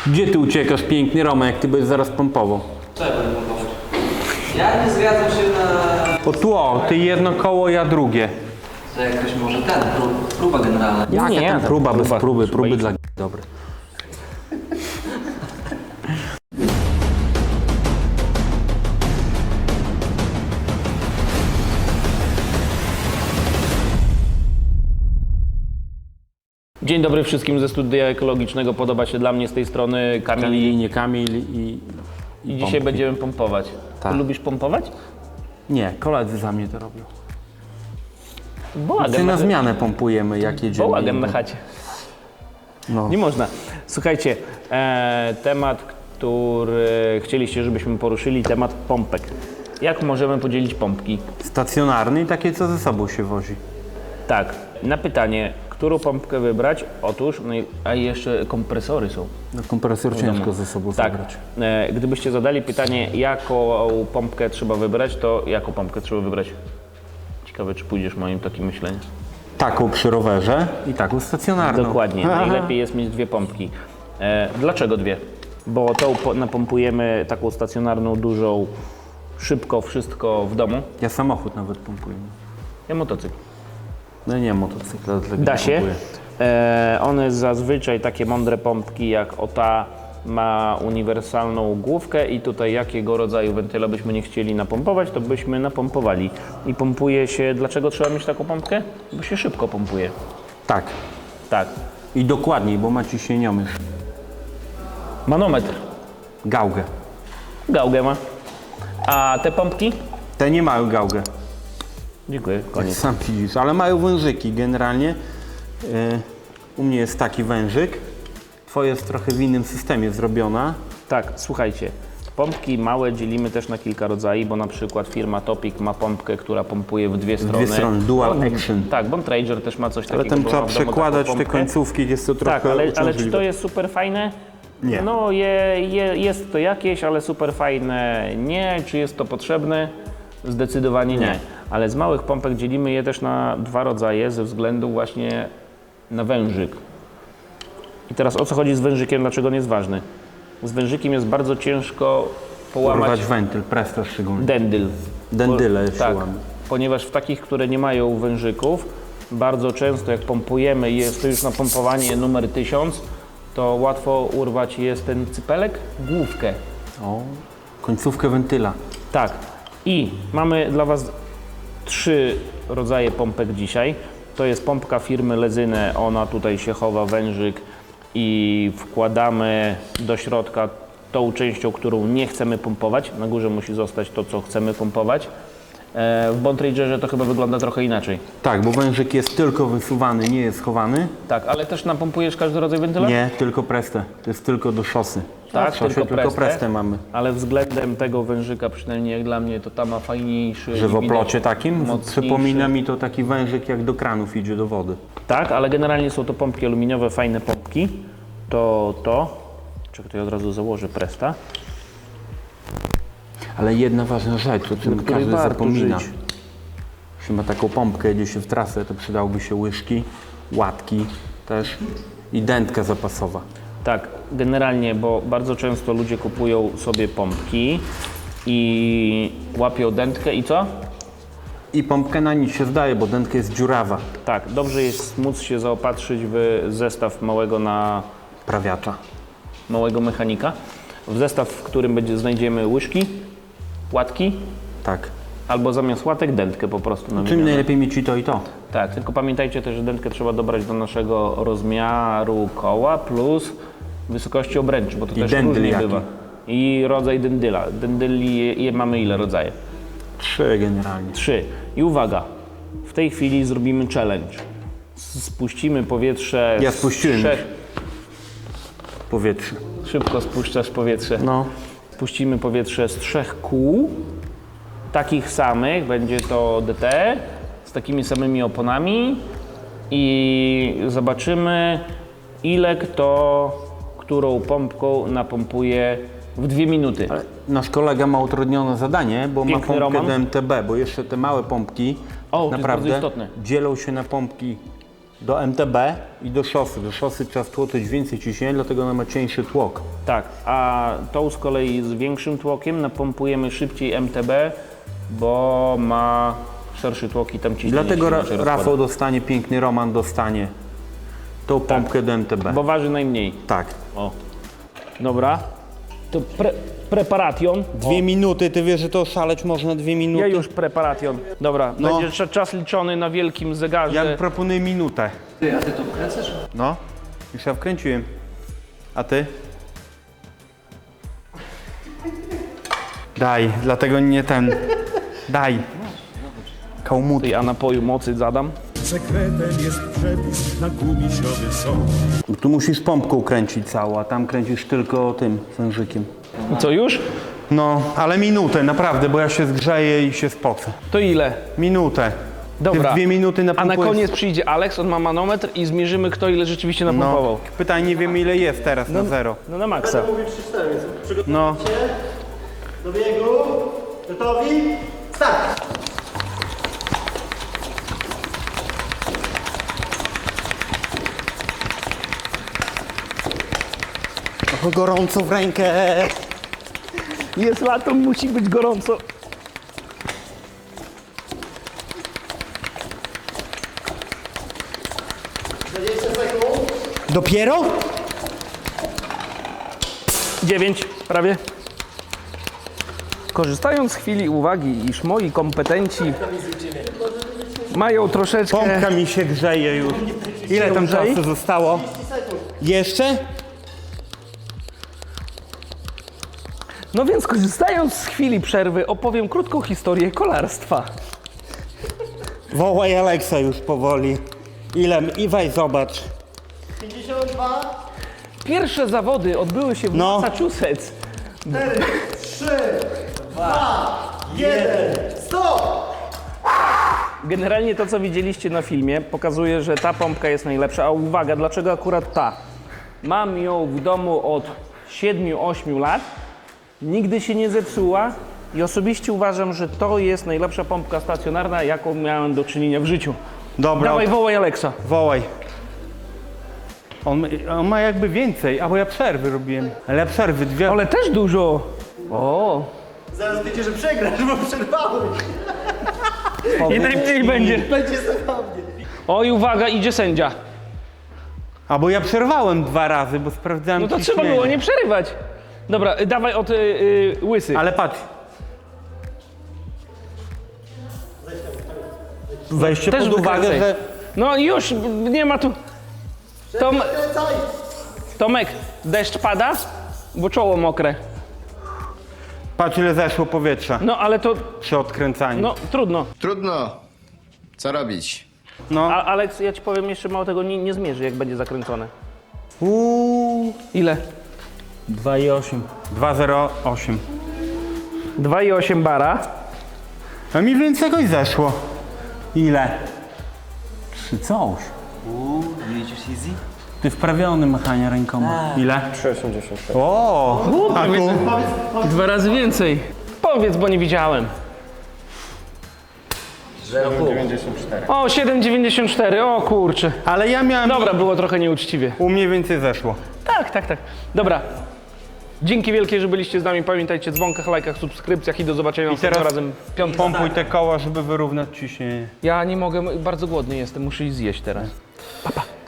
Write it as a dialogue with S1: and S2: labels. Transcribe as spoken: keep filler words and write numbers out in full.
S1: Gdzie ty uciekasz, piękny Romek, jak ty będziesz zaraz pompował?
S2: Co ja będę pompować? Ja nie zgadzam się na...
S1: O tło, ty jedno koło, ja drugie.
S2: To jakoś może ten, prób, próba generalna.
S1: Jaka
S3: nie,
S1: tam
S3: to
S1: próba, bez
S3: próba,
S1: próby,
S3: trzeba
S1: próby
S3: iść.
S1: dla g- dobre.
S3: Dzień dobry wszystkim ze studia ekologicznego. Podoba się dla mnie z tej strony Kamil.
S1: Kamil, nie Kamil i...
S3: I dzisiaj
S1: pompki.
S3: będziemy pompować.
S1: Tak.
S3: Ty lubisz pompować?
S1: Nie, koledzy za mnie to robią.
S3: Bałagan
S1: Ty na
S3: na,
S1: zmianę pompujemy, jak jedziemy.
S3: bałagan na chacie.
S1: No.
S3: Nie można. Słuchajcie, e, temat, który chcieliście, żebyśmy poruszyli, temat pompek. Jak możemy podzielić pompki?
S1: Stacjonarny i takie, co ze sobą się wozi.
S3: Tak, na pytanie, którą pompkę wybrać? Otóż, no i, a i jeszcze kompresory są.
S1: No, kompresor ciężko ze sobą
S3: Tak,
S1: zabrać.
S3: e, gdybyście zadali pytanie, jaką pompkę trzeba wybrać, to jaką pompkę trzeba wybrać? Ciekawe, czy pójdziesz moim takim myśleniem.
S1: Taką przy rowerze i taką stacjonarną.
S3: Dokładnie, najlepiej jest mieć dwie pompki. E, dlaczego dwie? Bo tą po, napompujemy taką stacjonarną, dużą, szybko wszystko w domu.
S1: Ja samochód nawet pompuję.
S3: Ja motocykl.
S1: No nie, motocykla. dlatego
S3: Da
S1: nie
S3: się.
S1: pompuję.
S3: E, one zazwyczaj, takie mądre pompki jak o ta, ma uniwersalną główkę i tutaj jakiego rodzaju wentyla byśmy nie chcieli napompować, to byśmy napompowali. I pompuje się, dlaczego trzeba mieć taką pompkę? Bo się szybko pompuje.
S1: Tak.
S3: Tak.
S1: I dokładniej, bo ma ciśnieniomierz.
S3: Manometr.
S1: Gałgę.
S3: Gałgę ma. A te pompki?
S1: Te nie mają gałgę.
S3: Dziękuję,
S1: Jak
S3: koniec.
S1: sam widzisz, ale mają wężyki generalnie. Yy, u mnie jest taki wężyk. Twoje jest trochę w innym systemie zrobiona.
S3: Tak, słuchajcie, pompki małe dzielimy też na kilka rodzajów, bo na przykład firma Topic ma pompkę, która pompuje w dwie strony.
S1: Dwie strony, dual action.
S3: Tak, Bomb Ranger też ma coś
S1: Ale
S3: takiego.
S1: tam
S3: bo
S1: trzeba
S3: ma w domu
S1: przekładać
S3: taką
S1: te
S3: pompkę.
S1: końcówki, jest to trochę
S3: Tak, ale, ale czy
S1: uciążliwe.
S3: to jest super fajne?
S1: Nie.
S3: No je, je, jest to jakieś, ale super fajne nie. Czy jest to potrzebne? Zdecydowanie nie.
S1: Nie.
S3: Ale z małych pompek dzielimy je też na dwa rodzaje ze względu właśnie na wężyk. I teraz o co chodzi z wężykiem, dlaczego on jest ważny? Z wężykiem jest bardzo ciężko połamać
S1: Urwać wentyl, presta szczególnie.
S3: dendyl.
S1: Dendyle
S3: Bo-
S1: się
S3: tak,
S1: łamie.
S3: ponieważ w takich, które nie mają wężyków, bardzo często jak pompujemy i jest to już napompowanie numer tysiąc, to łatwo urwać jest ten cypelek, główkę.
S1: O, końcówkę wentyla.
S3: Tak. I mamy dla Was trzy rodzaje pompek dzisiaj. To jest pompka firmy Lezyne, ona tutaj się chowa wężyk i wkładamy do środka tą częścią, którą nie chcemy pompować. Na górze musi zostać to, co chcemy pompować. E, W Bomb Rangerze to chyba wygląda trochę inaczej.
S1: Tak, bo wężyk jest tylko wysuwany, nie jest schowany.
S3: Tak, ale też napompujesz każdy rodzaj wentyla?
S1: Nie, tylko prestę. To jest tylko do szosy.
S3: Tak,
S1: w szosie
S3: tylko
S1: tylko
S3: prestę.
S1: prestę mamy.
S3: Ale względem tego wężyka, przynajmniej jak dla mnie, to ta ma fajniejszy.
S1: Że w
S3: i widać
S1: oplocie takim
S3: mocniejszy.
S1: przypomina mi to taki wężyk, jak do kranów idzie do wody.
S3: Tak, ale generalnie są to pompki aluminiowe, fajne pompki. To to. Czekaj, to ja od razu założę presta.
S1: Ale jedna ważna rzecz, o czym
S3: której
S1: każdy
S3: warto
S1: zapomina.
S3: żyć.
S1: Jeśli ma taką pompkę, jedzie się w trasę, to przydałoby się łyżki, łatki też i dętka zapasowa.
S3: Tak, generalnie, bo bardzo często ludzie kupują sobie pompki i łapią dętkę i co?
S1: I pompkę na nic się zdaje, bo dętka jest dziurawa.
S3: Tak, dobrze jest móc się zaopatrzyć w zestaw małego na
S1: Prawiacza.
S3: małego mechanika. W zestaw, w którym będzie, znajdziemy łyżki, łatki,
S1: Tak.
S3: albo zamiast łatek dętkę po prostu
S1: Czym
S3: namienione.
S1: najlepiej mieć i to i to.
S3: Tak, tylko pamiętajcie też, że dętkę trzeba dobrać do naszego rozmiaru koła plus wysokości obręczy, bo to
S1: I
S3: też
S1: dendyl
S3: różnie
S1: jaki?
S3: bywa. I rodzaj dendyla. Dendyli je, je mamy ile rodzaje?
S1: Trzy generalnie.
S3: Trzy. I uwaga, w tej chwili zrobimy challenge. Spuścimy powietrze
S1: Ja
S3: z
S1: spuściłem
S3: trzech...
S1: Powietrze.
S3: Szybko spuszczasz powietrze.
S1: No.
S3: Spuścimy powietrze z trzech kół, takich samych, będzie to D T, z takimi samymi oponami i zobaczymy, ile kto, którą pompką napompuje w dwie minuty.
S1: Ale nasz kolega ma utrudnione zadanie, bo
S3: Piękny
S1: ma pompkę
S3: Roman.
S1: do M T B, bo jeszcze te małe pompki
S3: O, to jest
S1: naprawdę
S3: bardzo istotne.
S1: dzielą się na pompki do M T B i do szosy. Do szosy trzeba wtłoczyć więcej ciśnienia, dlatego ona ma cieńszy tłok.
S3: Tak, a tą z kolei z większym tłokiem napompujemy szybciej M T B, bo ma szerszy tłok i tam ciśnienie
S1: Dlatego
S3: się
S1: Ra
S3: inaczej rozkłada.
S1: Rafał dostanie, piękny Roman dostanie tą pompkę do M T B.
S3: Bo waży najmniej.
S1: Tak.
S3: O. Dobra. To pre preparation.
S1: Dwie minuty, ty wiesz, że to szaleć można dwie minuty?
S3: Ja już preparation. Dobra,
S1: No.
S3: będzie cza- czas liczony na wielkim zegarze.
S1: Ja proponuję minutę.
S2: Ty, a ty to wkręcasz?
S1: No, już ja wkręciłem. A ty? Daj, dlatego nie ten. Daj. Kałmut.
S3: Ja napoju mocy zadam.
S4: Sekretem jest przepis na gumisiowy sok.
S1: Tu musisz pompką kręcić całą, a tam kręcisz tylko tym wężykiem.
S3: Co już?
S1: No, ale minutę, naprawdę, bo ja się zgrzeję i się spocę.
S3: To ile?
S1: Minutę.
S3: Dobra.
S1: Ty w dwie minuty
S3: A na
S1: napompujesz...
S3: koniec przyjdzie Alex, on ma manometr i zmierzymy, kto ile rzeczywiście napompował.
S1: No, pytanie, nie wiem ile jest teraz na zero.
S3: No na maksa.
S1: No,
S5: Do biegu. Gotowi? Start!
S1: o, gorąco w rękę.
S3: Jest lato, musi być gorąco.
S5: dwadzieścia sekund.
S1: Dopiero?
S3: Dziewięć, prawie. Korzystając z chwili uwagi, iż moi kompetenci mają troszeczkę...
S1: Pompka mi się grzeje już. Ile tam
S3: grzei?
S1: czasu zostało? Jeszcze?
S3: No więc korzystając z chwili przerwy opowiem krótką historię kolarstwa.
S1: Wołaj Aleksa już powoli. Ile? I weź zobacz.
S5: pięćdziesiąt dwa.
S3: Pierwsze zawody odbyły się w
S1: No.
S3: Massachusetts.
S5: cztery, trzy, dwa, jeden. Stop!
S3: Generalnie to, co widzieliście na filmie, pokazuje, że ta pompka jest najlepsza. A uwaga, dlaczego akurat ta? Mam ją w domu od siedmiu ośmiu lat, nigdy się nie zepsuła i osobiście uważam, że to jest najlepsza pompka stacjonarna, jaką miałem do czynienia w życiu.
S1: Dobra,
S3: Dawaj, wołaj Aleksa.
S1: wołaj. On, on ma jakby więcej, a bo ja przerwy robiłem. Ale ja przerwy dwie.
S3: Ale też dużo. O,
S5: Zaraz wiecie, że przegrasz, bo przerwałeś.
S3: i najmniej będzie.
S5: Będzie zabawnie.
S3: Oj, uwaga, idzie sędzia.
S1: A bo ja przerwałem dwa razy, bo sprawdzałem
S3: No to
S1: ciśnienie.
S3: trzeba było nie przerywać. Dobra, y, dawaj od y, y, łysy.
S1: Ale patrz. Weźcie
S3: Też
S1: pod uwagę,
S3: wykręcaj.
S1: że...
S3: No już, nie ma tu... Tom,
S5: Kręcaj!
S3: Tomek, deszcz pada? Bo czoło mokre.
S1: Patrz ile zeszło powietrza
S3: No ale to,
S1: przy odkręcaniu.
S3: no trudno.
S6: Trudno. Co robić?
S1: No.
S3: A, Aleks, ja ci powiem, jeszcze mało tego nie, nie zmierzy, jak będzie zakręcone.
S1: Uuu.
S3: Ile?
S1: dwa i osiem. dwa zero osiem.
S3: dwa i osiem bara.
S1: A mi więcej jakoś zeszło. Ile? trzy coś.
S2: Uuu, jedziesz easy?
S1: Ty wprawiony machania rękoma. Ile? trzy osiemdziesiąt sześć. O, a tu?
S3: Dwa razy więcej. Powiedz, bo nie widziałem. O, siedem dziewięćdziesiąt cztery, o kurczę.
S1: Ale ja miałem...
S3: Dobra, było trochę nieuczciwie.
S1: U mnie więcej zeszło.
S3: Tak, tak, tak. Dobra. Dzięki wielkie, że byliście z nami. Pamiętajcie o dzwonkach, lajkach, subskrypcjach i do zobaczenia następnym
S1: teraz
S3: razem w piątek.
S1: Pompuj te koła, żeby wyrównać ciśnienie.
S3: Ja nie mogę, bardzo głodny jestem, muszę iść zjeść teraz. Pa, pa.